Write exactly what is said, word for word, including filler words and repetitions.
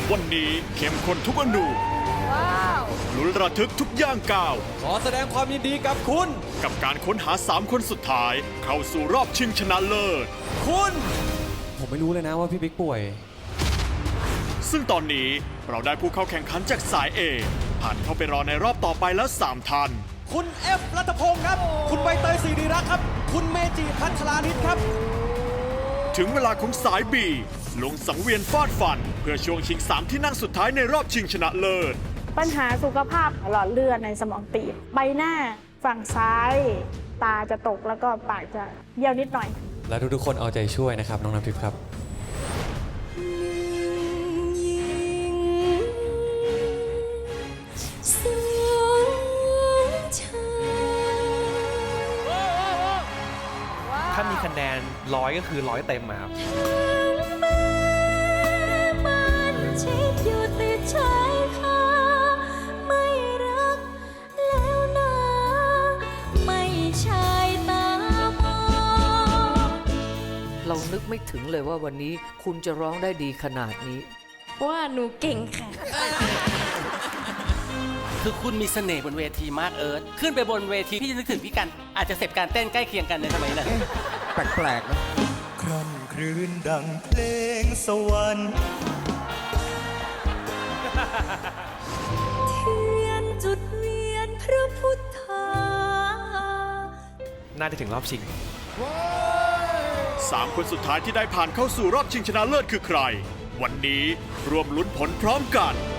วันนี้เข้มข้นทุกอนูว้าวลุ้นระทึกทุกย่างก้าวขอแสดงความยินดีกับคุณกับการค้นหาสามคนสุดท้าย เข้าสู่รอบชิงชนะเลิศคุณ ผมไม่รู้เลยนะว่าพี่บิ๊กป่วยซึ่งตอนนี้เราได้ผู้เข้าแข่งขันจากสาย A ผ่านเข้าไปรอในรอบต่อไปแล้วสามท่านคุณเอฟรัตพงศ์ครับ คุณใบเตยศิริรักษ์ครับ คุณเมจิพัชรานิตครับถึงเวลาของสาย B ลงสังเวียนฟาดฟัน เพื่อช่วงชิงสามที่นั่งสุดท้ายในรอบชิงชนะเลิศปัญหาสุขภาพหลอดเลือดในสมองตีบใบหน้าฝั่งซ้าย ตาจะตกแล้วก็ปากจะเบี้ยวนิดหน่อยและทุกๆคนเอาใจช่วยนะครับ น้องน้ำทิพย์ครับถ้ามีคะแนนร้อยก็คือร้อยเต็มอะครับเรานึกไม่ถึงเลยว่าวันนี้คุณจะร้องได้ดีขนาดนี้ว่าหนูเก่งค่ะคือคุณมีเสน่ห์บนเวทีมากเอิร์ธขึ้นไปบนเวทีพี่จะนึกถึงพี่กันอาจจะเสพการเต้นใกล้เคียงกันในสมัยนั้นแปลกๆนะคร่ำครื้นดังเพลงสวรรค์เทียนจุดเวียนพระพุทธาน่าจะถึงรอบชิงสามคนสุดท้ายที่ได้ผ่านเข้าสู่รอบชิงชนะเลิศคือใคร วันนี้รวมลุ้นผลพร้อมกัน